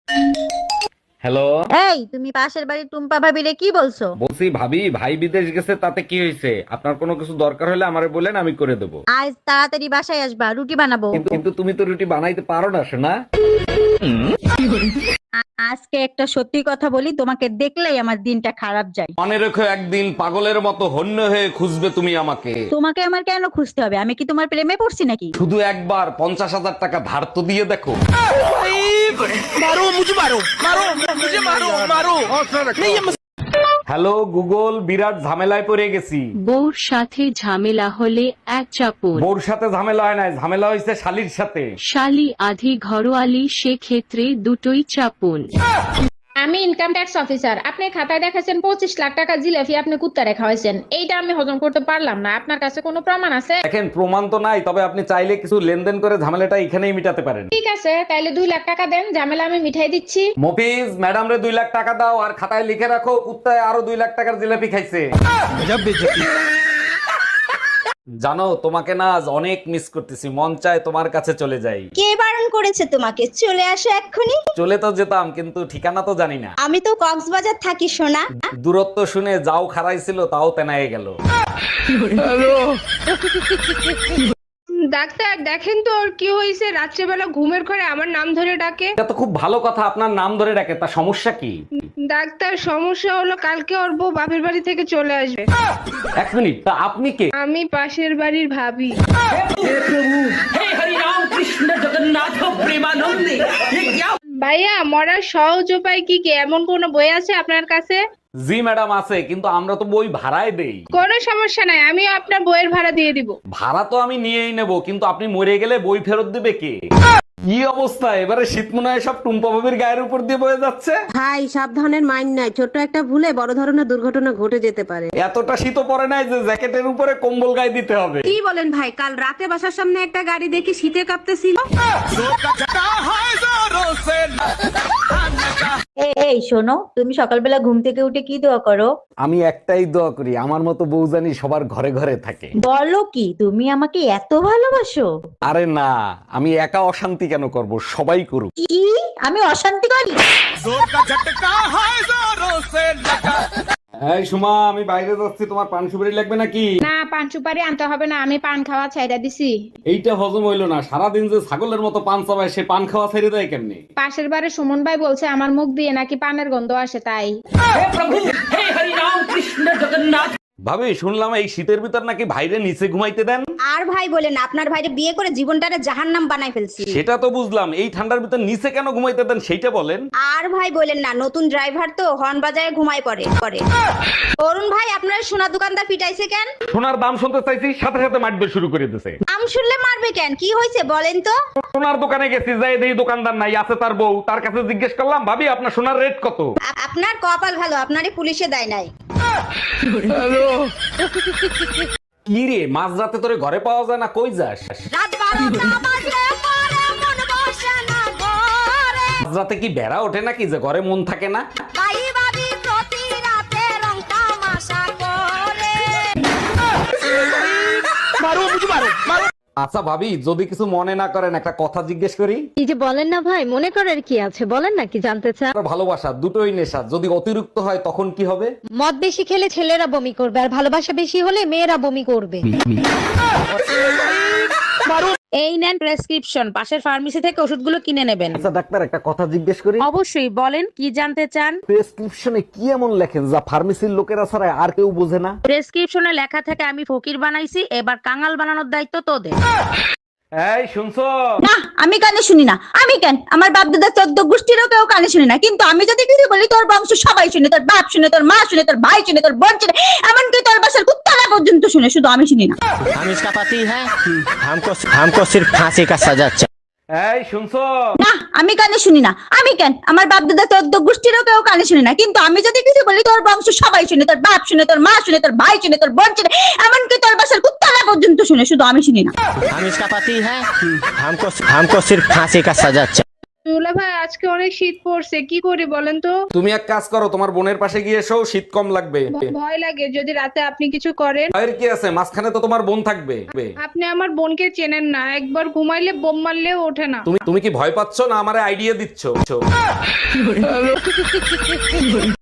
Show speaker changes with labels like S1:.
S1: Hello.
S2: এই তুমি পাশের বাড়ির টুম্পা ভাবিরে কি বলছো?
S1: বলছি ভাবি, ভাই বিদেশ গেছে, তাতে কি হয়েছে? আপনার কোনো কিছু দরকার হলে আমারে বলেন, আমি করে দেবো।
S2: আজ তাড়াতাড়ি বাসায় আসবা, রুটি বানাবো।
S1: কিন্তু তুমি তো রুটি বানাইতে পারো না, শোনা।
S2: আজকে একটা সত্যি কথা বলি, তোমাকে দেখলেই আমার দিনটা খারাপ যায়।
S1: মনে রেখো, একদিন পাগলের মতো হন্য হয়ে খুঁজবে তুমি আমাকে।
S2: তোমাকে আমার কেন খুঁজতে হবে? আমি কি তোমার প্রেমে পড়ছি নাকি?
S1: শুধু একবার 50,000 টাকা ধার তো দিয়ে দেখো। হ্যালো গুগল, বিরাট ঝামেলায় পড়ে গেছি।
S3: বউর সাথে ঝামেলা হলে এক চাপুন,
S1: বউর সাথে ঝামেলা হয় নাই, ঝামেলা হয়েছে শালির সাথে।
S3: শালি আধি ঘরোয়ালি, সেক্ষেত্রে দুটোই চাপুন।
S4: আমি ইনকাম ট্যাক্স অফিসার। আপনি খাতায় দেখাছেন 25 লাখ টাকা জিলাপি আপনি কুত্তা রেখা হয়েছেন। এইটা আমি হজম করতে পারলাম না। আপনার কাছে কোনো প্রমাণ আছে?
S1: দেখেন, প্রমাণ তো নাই, তবে আপনি চাইলে কিছু লেনদেন করে ঝামেলাটা এখানেই মিটাতে পারেন।
S4: ঠিক আছে, তাইলে 2 লাখ টাকা দেন, ঝামেলা আমি মিঠাই দিচ্ছি।
S1: মফিজ, ম্যাডাম রে 2 লাখ টাকা দাও, আর খাতায় লিখে রাখো কুত্তায় আরো 2 লাখ টাকার জিলাপি খাইছে। জানো, তোমাকে না আজ অনেক মিস করতেছি, মন চায় তোমার কাছে চলে যাই।
S5: কে বারণ করেছে তোমাকে? চলে আসো এক্ষুনি।
S1: চলে তো যেতাম, কিন্তু ঠিকানা তো জানি না।
S5: আমি তো কক্সবাজার থাকি সোনা।
S1: দূরত্ব শুনে যাও খারাইছিল, তাও তেনায়ে গেল।
S6: ডাক্তার দেখেন তো ওর কি হয়েছে, রাত্রেবেলা ঘুমের ঘরে আমার নাম ধরে ডাকে।
S1: এটা তো খুব ভালো কথা, আপনার নাম ধরে ডাকে, তা সমস্যা কি?
S6: ডাক্তার সমস্যা হলো কালকে ওর বউ বাপের বাড়ি থেকে চলে আসবে।
S1: 1 মিনিট, তা আপনি কে?
S6: আমি পাশের বাড়ির ভাবি। ভাইয়া, মরার সহজ উপায় কি কি? এমন কোন বই আছে আপনার কাছে?
S1: জি ম্যাডাম আছে, কিন্তু আমরা তো বই ভাড়ায় দেই।
S6: কোনো সমস্যা নাই, আমি আপনার বইয়ের ভাড়া দিয়ে দিব।
S1: ভাড়া তো আমি নিয়েই নেব, কিন্তু আপনি মরে গেলে বই ফেরত দিবে কে? কি অবস্থা, এবারে শীত মনে হয় সব টুম্পা ভাবির গায়ের উপর দিয়ে বয়ে যাচ্ছে।
S7: ভাই সাবধানের মাইন্ড নাই, ছোট একটা ভুলে বড় ধরনের দুর্ঘটনা ঘটে যেতে পারে।
S1: এতটা শীত পড়ে নাই যে জ্যাকেটের উপরে কম্বল গায়ে দিতে হবে।
S7: কি বলেন ভাই? কাল রাতে বাসার সামনে একটা গাড়ি দেখি শীতে কাঁপতেছিল।
S2: এই শোনো, তুমি সকালবেলা ঘুম থেকে উঠে কি দোয়া করো?
S1: আমি একটাই দোয়া করি, আমার মতো বউ জানি সবার ঘরে ঘরে থাকে।
S2: বলো কি, তুমি আমাকে এত ভালোবাসো?
S1: আরে না, আমি একা অশান্তি কেন করব, সবাই করুক।
S2: কি? আমি অশান্তি করি?
S1: এই সুমা, আমি বাইরে যাচ্ছি, তোমার পান সুপারি লাগবে নাকি?
S4: না, পান সুপারি আনতে হবে না, আমি পান খাওয়া ছাইড়া দিছি।
S1: এইটা হজম হইলো না, সারাদিন যে ছাগলের মতো পান চাবায়, সে পান খাওয়া ছেড়ে দেয় কেমনি?
S4: পাশের বাড়ির সুমন ভাই বলছে আমার মুখ দিয়ে নাকি পানের গন্ধ আসে, তাই।
S1: ভাবি, শুনলাম এই শীতের ভিতর নাকি ভাইরে নিচে ঘুমাইতে দেন।
S5: আর ভাই বলেন, আপনার ভাইরে বিয়ে করে জীবনটারে জাহান্নাম বানাই ফেলছি।
S1: সেটা তো বুঝলাম, এই ঠান্ডার ভিতর নিচে কেন ঘুমাইতে দেন সেইটা বলেন।
S5: আর ভাই বলেন না, নতুন ড্রাইভার তো হর্ন বাজায় ঘুমায় পড়ে। অরুণ ভাই, আপনার সোনা দোকানদার পিটাইছে কেন?
S1: সোনার দাম শুনতে চাইছি, সাথে সাথে মাটবে শুরু করে দিছে।
S5: আম শুনলে মারবে কেন? কি হয়েছে বলেন তো?
S1: সোনার দোকানে গেছি, যাই দেখি দোকানদার নাই, আছে তার বউ। তার কাছে জিজ্ঞেস করলাম, ভাবি আপনার সোনার রেট কত?
S5: আপনার কপাল ভালো, আপনারই পুলিশে দেয় নাই।
S1: কি রে, মাঝরাতে তোরে ঘরে পাওয়া যায় না, কই যাস?
S5: রাত 12টা বাজলে পরে মন বসে না ঘরে।
S1: মাঝরাতে কি বেড়া ওঠে নাকি যে ঘরে মন থাকে না?
S5: ভাই ভাবি প্রতি রাতে রং তামাশা করে।
S1: আচ্ছা ভাবি, যদি কিছু মনে না করেন, একটা কথা জিজ্ঞেস করি।
S8: কি যে বলেন না ভাই, মনে করার কি আছে, বলেন না কি জানতে চান?
S1: আর ভালোবাসা দুটোই নেশা, যদি অতিরিক্ত হয় তখন কি হবে?
S8: মদ বেশি খেলে ছেলেরা বমি করবে, আর ভালোবাসা বেশি হলে মেয়েরা বমি করবে।
S9: এই নেন প্রেসক্রিপশন, পাশের ফার্মেসি থেকে ওষুধগুলো কিনে নেবেন।
S1: আচ্ছা ডাক্তার, একটা কথা জিজ্ঞেস করি।
S9: অবশ্যই, বলেন কি জানতে চান।
S1: প্রেসক্রিপশনে কি এমন লেখেন যা ফার্মেসির লোকেরা ছাড়া আর কেউ বোঝে না?
S9: প্রেসক্রিপশনে লেখা থাকে আমি ফকির বানাইছি, এবার কাঙাল বানানোর দায়িত্ব তোদের।
S1: এই শুনছো?
S2: না, আমি কানে শুনি না। আমি কেন? আমার বাপ দাদা 14 গোষ্ঠীরও কেউ কানে শুনি না, কিন্তু আমি যদি কিছু বলি তোর বংশ সবাই শুনে, তোর বাপ শুনে, তোর মা শুনে, তোর ভাই শুনে, তোর বোন শুনে, এমনকি তোর বাসার কুত্তারা পর্যন্ত শুনে, শুধু আমি শুনি না।
S10: हम इसका पति है, हमको सिर्फ फांसी का सजा चाहिए।
S1: এই শুনছো?
S2: না, আমি কানে শুনি না। আমি কেন? আমার বাপ দাদা 14 গোষ্ঠীরও কেউ কানে শুনি না, কিন্তু আমি যদি কিছু বলি তোর বংশ সবাই শুনে, তোর বাপ শুনে, তোর মা শুনে, তোর ভাই শুনে, তোর বোন শুনে, এমনকি তোর বাসার কুত্তারা পর্যন্ত শুনে, শুধু আমি শুনি না।
S10: हम इसका पति है, हमको सिर्फ फांसी का सजा चाहिए।
S6: দুলা ভাই আজকে অনেক শীত পড়ছে, কি করি বলেন তো?
S1: তুমি এক কাজ করো, তোমার বোনের পাশে গিয়ে এসো, শীত কম লাগবে।
S6: ভয় লাগে যদি রাতে আপনি কিছু করেন।
S1: ভয়ের কি আছে, মাঝখানে তো তোমার বোন থাকবে।
S6: আপনি আমার বোনকে চেনেন না, একবার ঘুমাইলে বোম মারলেও ওঠে না।
S1: তুমি কি ভয় পাচ্ছ না আমারে আইডিয়া দিচ্ছ?